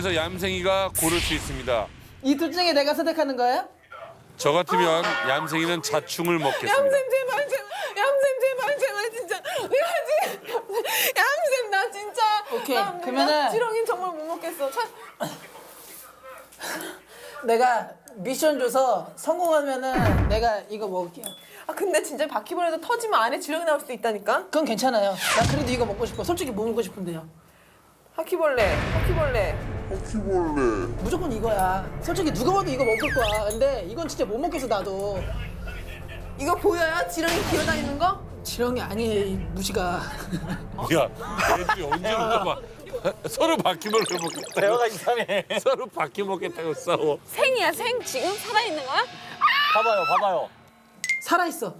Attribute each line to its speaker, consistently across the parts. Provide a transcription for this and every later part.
Speaker 1: 그래서 얌생이가 고를 수 있습니다.
Speaker 2: 이 둘 중에 내가 선택하는 거예요?
Speaker 1: 저 같으면 얌생이는 자충을 먹겠습니다.
Speaker 3: 얌쌤 제발 진짜 내가 지금 얌쌤 나 진짜
Speaker 2: 오케이,
Speaker 3: 나
Speaker 2: 그러면은-
Speaker 3: 지렁이 정말 못 먹겠어.
Speaker 2: 내가 미션 줘서 성공하면은 내가 이거 먹을게요.
Speaker 3: 아 근데 진짜 바퀴벌레도 터지면 안에 지렁이 나올 수도 있다니까.
Speaker 2: 그건 괜찮아요. 나 그래도 이거 먹고 싶어. 솔직히 뭐 먹고 싶은데요?
Speaker 3: 바퀴벌레.
Speaker 2: 무조건 이거야. 솔직히 누가 봐도 이거 먹을 거야. 근데 이건 진짜 못 먹겠어 나도.
Speaker 3: 이거 보여요? 지렁이 기어다니는 거?
Speaker 2: 지렁이 아니에요 이 무시가.
Speaker 1: 야, 애들이 언제부터 막 서로 바퀴벌레 먹겠다고.
Speaker 4: 대화가 이상해.
Speaker 1: 서로 바퀴 먹겠다고 싸워.
Speaker 5: 생이야 생 지금 살아있는 거야?
Speaker 4: 봐봐요.
Speaker 2: 살아있어.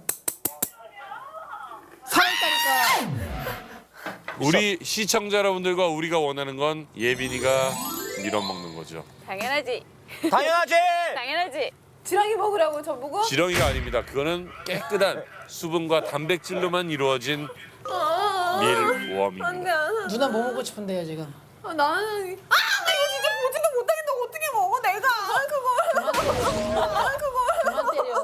Speaker 2: 살아있다니까.
Speaker 1: 우리 시청자 여러분들과 우리가 원하는 건 예빈이가 밀어먹는 거죠.
Speaker 5: 당연하지
Speaker 4: 당연하지.
Speaker 5: 당연하지.
Speaker 3: 지렁이 먹으라고 저보고?
Speaker 1: 지렁이가 아닙니다. 그거는 깨끗한 수분과 단백질로만 이루어진 밀웜입니다.
Speaker 3: 안돼 안 돼.
Speaker 2: 누나 뭐 먹고 싶은데요 지금?
Speaker 3: 아, 나는 나 이거 진짜 보지도 못하겠다고 어떻게 먹어 내가 그걸
Speaker 2: 그만 때려.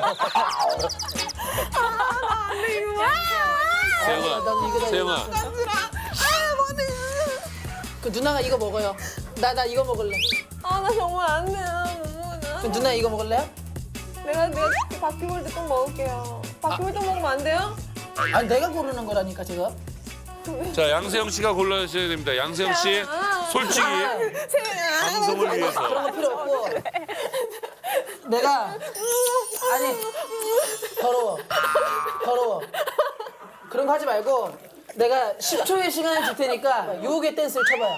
Speaker 3: 안돼 이거
Speaker 1: 세영아,
Speaker 2: 나도 이거
Speaker 1: 세영아,
Speaker 3: 뭐네
Speaker 2: 그 누나가 이거 먹어요. 나 이거 먹을래.
Speaker 3: 아나 정말 안돼
Speaker 2: 그 누나 이거 먹을래요?
Speaker 3: 내가 바퀴벌레 똥 먹을게요 바퀴벌레 똥 먹으면 안 돼요?
Speaker 2: 아니 내가 고르는 거라니까 제가.
Speaker 1: 자 양세형 씨가 골라주셔야 됩니다. 양세형 씨, 솔직히 방송을 위해서.
Speaker 2: 그런 거 필요 없고. 내가 아니 더러워. 그런 거 하지 말고 내가 10초의 시간을 줄 테니까 유혹의 댄스를 쳐봐요.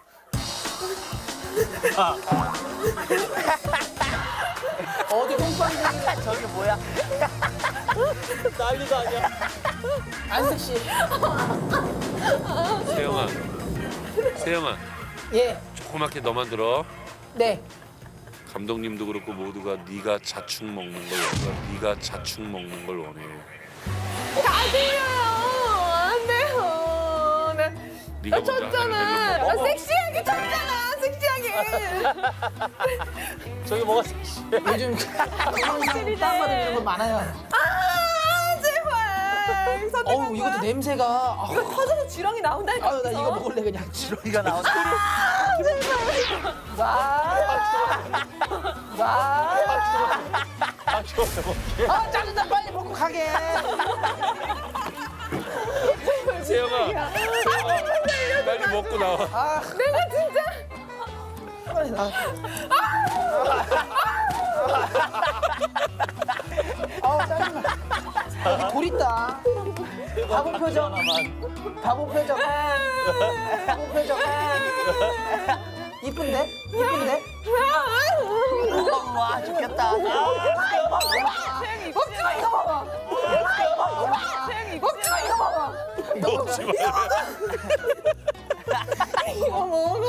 Speaker 2: 어디 똥방댕이
Speaker 4: 저게 뭐야? 난리도 아니야.
Speaker 2: 안 섹시.
Speaker 1: 세영아,
Speaker 2: 예,
Speaker 1: 조그맣게 너만 들어.
Speaker 2: 네.
Speaker 1: 감독님도 그렇고 모두가 네가 자충 먹는 걸 원해. 네가 자충 먹는 걸 원해.
Speaker 3: 다 들려요 안 돼요
Speaker 1: 네가
Speaker 3: 나
Speaker 1: 먼저
Speaker 3: 쳤잖아
Speaker 1: 하는 멜로
Speaker 3: 나 섹시하게 쳤잖아 섹시하게
Speaker 4: 저게 뭐가 섹시해?
Speaker 2: 요즘 영상 다운받으면 이런 거 많아요.
Speaker 3: 아 제발 선택할
Speaker 2: 어우 이것도
Speaker 3: 거야?
Speaker 2: 냄새가.
Speaker 3: 이거 터져서 지렁이 나온다니까
Speaker 2: 아유 나 이거 먹을래 그냥.
Speaker 4: 지렁이가 나오네.
Speaker 2: 아 짜증나 빨리 먹고 가게.
Speaker 1: 세영아, 빨리 먹고 나와.
Speaker 3: 내가 진짜
Speaker 2: 빨리 나. 아우 짜증나. 여기 돌 있다. 바보 표정. 바보 표정. 바보 표정. 이쁜데? 이쁜데?
Speaker 4: 와 죽겠다.
Speaker 3: 먹지 마 이거 먹어 먹지 마 이거 먹어
Speaker 1: 먹지 마.
Speaker 3: 이거 먹어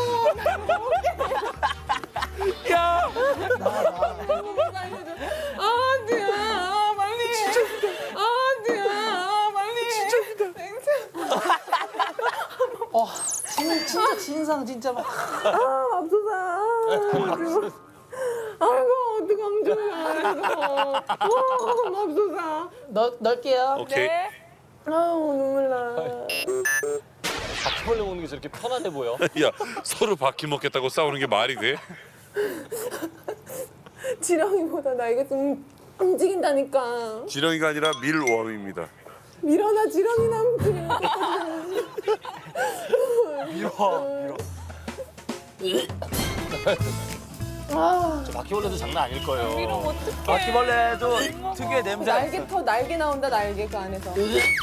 Speaker 1: 야,
Speaker 3: 안돼요 빨리 안돼요 빨리
Speaker 2: 진짜 진상 진짜 막.
Speaker 3: 맙소사 아이고 어떡하면 좋아 이거 맙소사
Speaker 2: 넣을게요.
Speaker 1: 오케이.
Speaker 3: 아우 눈물 나
Speaker 4: 바퀴벌레 먹는 게 저렇게 편안해 보여.
Speaker 1: 야, 서로 바퀴 먹겠다고 싸우는 게 말이 돼?
Speaker 3: 지렁이보다 나 이거 좀 움직인다니까
Speaker 1: 지렁이가 아니라 밀웜입니다.
Speaker 3: 밀어나 지렁이 남지
Speaker 4: 밀어. 저 바퀴벌레도 장난 아닐 거예요.
Speaker 5: 이러면 어떡해.
Speaker 4: 바퀴벌레도 특유의 냄새가
Speaker 3: 날개
Speaker 4: 있어.
Speaker 3: 터 날개 나온다 날개 그 안에서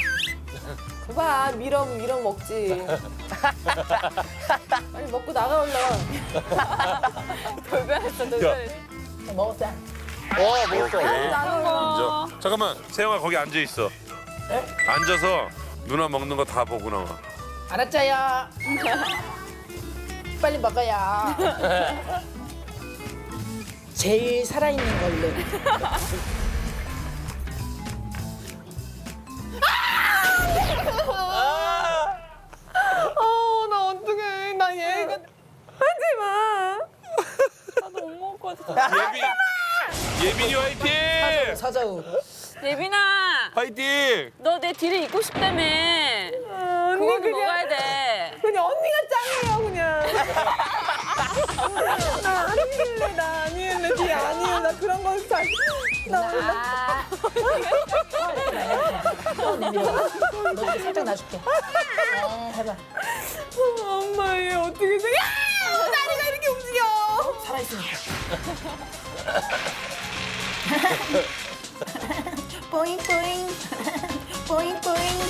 Speaker 3: 그봐 미럼 먹지 빨리 먹고 나가 올라
Speaker 5: 돌변했어 돌변했어.
Speaker 2: 먹었다.
Speaker 4: 먹었어.
Speaker 3: 나가 올라
Speaker 1: 앉아. 잠깐만, 세영아 거기 앉아 있어. 앉아서 누나 먹는 거 다 보고 나와.
Speaker 2: 알았자요. 빨리 먹어야. 제일 살아있는 걸로.
Speaker 3: 나 어떡해 나 얘가 하지마
Speaker 1: 예빈이 화이팅!
Speaker 2: 사자우.
Speaker 5: 예빈아,
Speaker 1: 화이팅!
Speaker 5: 너 내 뒤를 잇고 싶다며.
Speaker 3: 언니
Speaker 5: 그거는
Speaker 3: 그냥
Speaker 5: 먹어야 돼.
Speaker 3: 그냥 언니가 짱이에요 그냥. 나 아니길래 나 아니길래 뒤 아니에요 나 그런 거 잘. 나 원래
Speaker 2: 아. 너 이제 살짝 놔줄게. 해봐.
Speaker 3: 엄마 얘 어떻게 생겨? 다리가 이렇게 움직여.
Speaker 2: 살아있으니까.
Speaker 3: 뽀잉뽀잉 뽀잉뽀잉.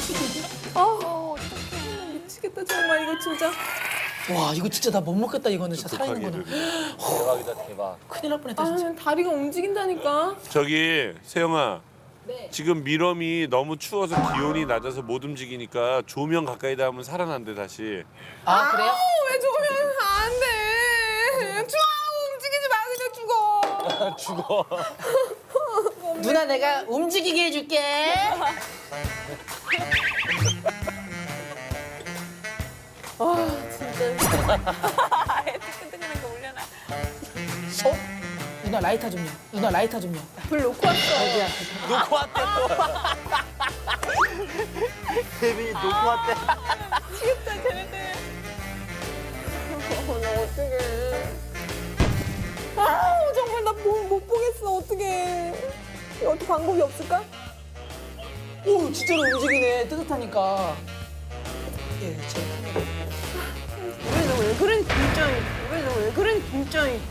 Speaker 3: 미치겠다 정말 이거 진짜.
Speaker 2: 와 이거 진짜 나 못 먹겠다 이거는 진짜 살아있는구나.
Speaker 4: 대박이다 대박.
Speaker 2: 큰일 날 뻔했다 진짜.
Speaker 3: 아 다리가 움직인다니까.
Speaker 1: 저기 세영아.
Speaker 2: 네.
Speaker 1: 지금 미럼이 너무 추워서 기온이 낮아서 못 움직이니까 조명 가까이다 하면 살아난대 다시.
Speaker 2: 아 그래요?
Speaker 3: 왜 죽으면 안 돼. 죽어 움직이지 마 그냥 죽어.
Speaker 4: 죽어.
Speaker 2: 누나 내가 움직이게 해줄게.
Speaker 5: 아예 뜨끈뜨끈한 거 올려놔.
Speaker 2: 어? 누나 라이터 좀요. 누나 라이터 좀요.
Speaker 3: 불 놓고 왔어.
Speaker 2: 여기야.
Speaker 4: 놓고 왔대 또. 예빈이 놓고 왔대.
Speaker 3: 미치겠다 쟤네들. 나 어떡해. 아우 정말 나 못 보겠어 어떡해. 이거 어떻게 방법이 없을까?
Speaker 2: 오 진짜로 움직이네. 뜨뜻하니까. 예, 제.
Speaker 3: 왜 그런 긴장이. 왜 그런 긴장이.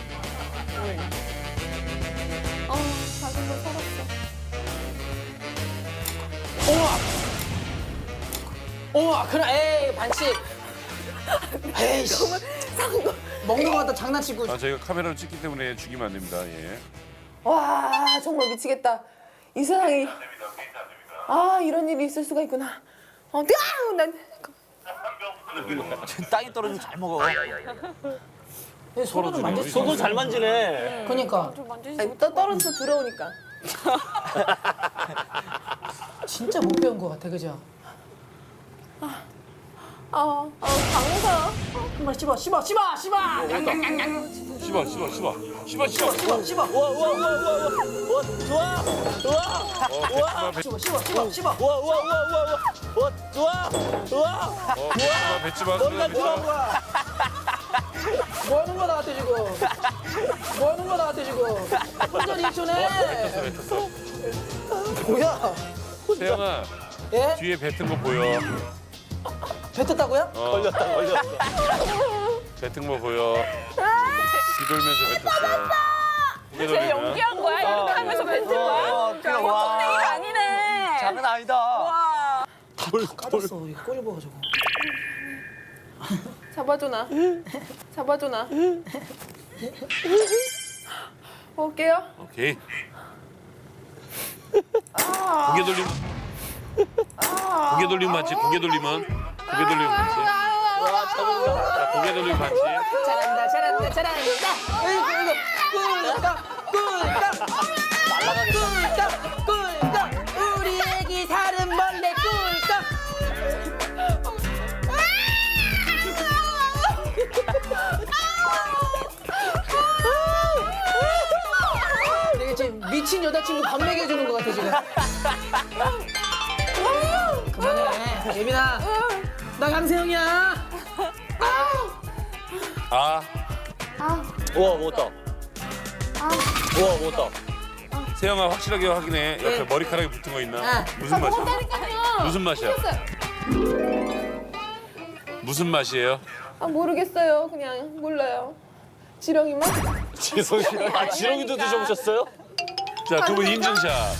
Speaker 3: 작은 걸 살았어.
Speaker 2: 어머 그래. 에이 반칙. 에이씨. 먹는 거 갖다 장난치고.
Speaker 1: 아 저희가 카메라로 찍기 때문에 죽이면 안 됩니다. 예.
Speaker 3: 와 정말 미치겠다. 이 세상에 이런 일이 있을 수가 있구나. 난
Speaker 4: 땅이 떨어지면 잘 먹어.
Speaker 2: 손으로 만질 수
Speaker 4: 손도 잘 만지네.
Speaker 2: 그러니까
Speaker 3: 아니, 떨어져서 들어오니까.
Speaker 2: 진짜 못 배운 거 같아 그죠?
Speaker 3: 강호사.
Speaker 2: 정말 씹어.
Speaker 1: 씹어.
Speaker 4: 와와와와와 좋아 좋아.
Speaker 2: 씹어.
Speaker 4: 와와와와와 좋아 좋아.
Speaker 1: 뱉지마.
Speaker 4: 너희가 좋아한 거야.
Speaker 2: 뭐 하는 거야 나한테 지금? 뭐 하는 거야 나한테 지금? 혼자 리액션해. 뭐야?
Speaker 1: 세영아
Speaker 2: 예?
Speaker 1: 뒤에 뱉은 거 보여.
Speaker 2: 뱉었다고요?
Speaker 4: 걸렸다.
Speaker 1: 뱉은 거 보여. 뒤돌면서 뱉었어. 고개
Speaker 5: 쟤
Speaker 1: 돌리면.
Speaker 5: 연기한 거야? 이렇게 하면서 뱉은 거야?
Speaker 4: 그냥
Speaker 5: 보통
Speaker 4: 와.
Speaker 5: 얘기가 아니네.
Speaker 4: 장난 아니다.
Speaker 5: 와.
Speaker 2: 까졌어. 이거 꼴 보가지고.
Speaker 3: 잡아줘 나. 먹을게요.
Speaker 1: 오케이. 고개 돌리면. 고개 돌리면 맞지? 고개 돌리면 맞지? 자, 고개 돌리면 맞지?
Speaker 2: 잘한다. 꿀꺽. 우리 애기 사슴 벌레 꿀꺽. 내가 지금 미친 여자친구 밥 먹여주는 것 같아 지금. 그만해 예빈아. 나 강세형이야.
Speaker 1: 아,
Speaker 4: 우와 먹었다. 우와 먹었다.
Speaker 1: 세영아 확실하게 확인해. 옆에
Speaker 2: 예.
Speaker 1: 머리카락이 붙은 거 있나?
Speaker 2: 아.
Speaker 1: 무슨 맛이야?
Speaker 3: 먹었다니까요.
Speaker 1: 무슨 맛이야? 무슨 맛이에요?
Speaker 3: 모르겠어요. 그냥 몰라요. 지렁이 맛?
Speaker 4: 지렁이도 드셔보셨어요?
Speaker 1: 자, 두 분 인증샷.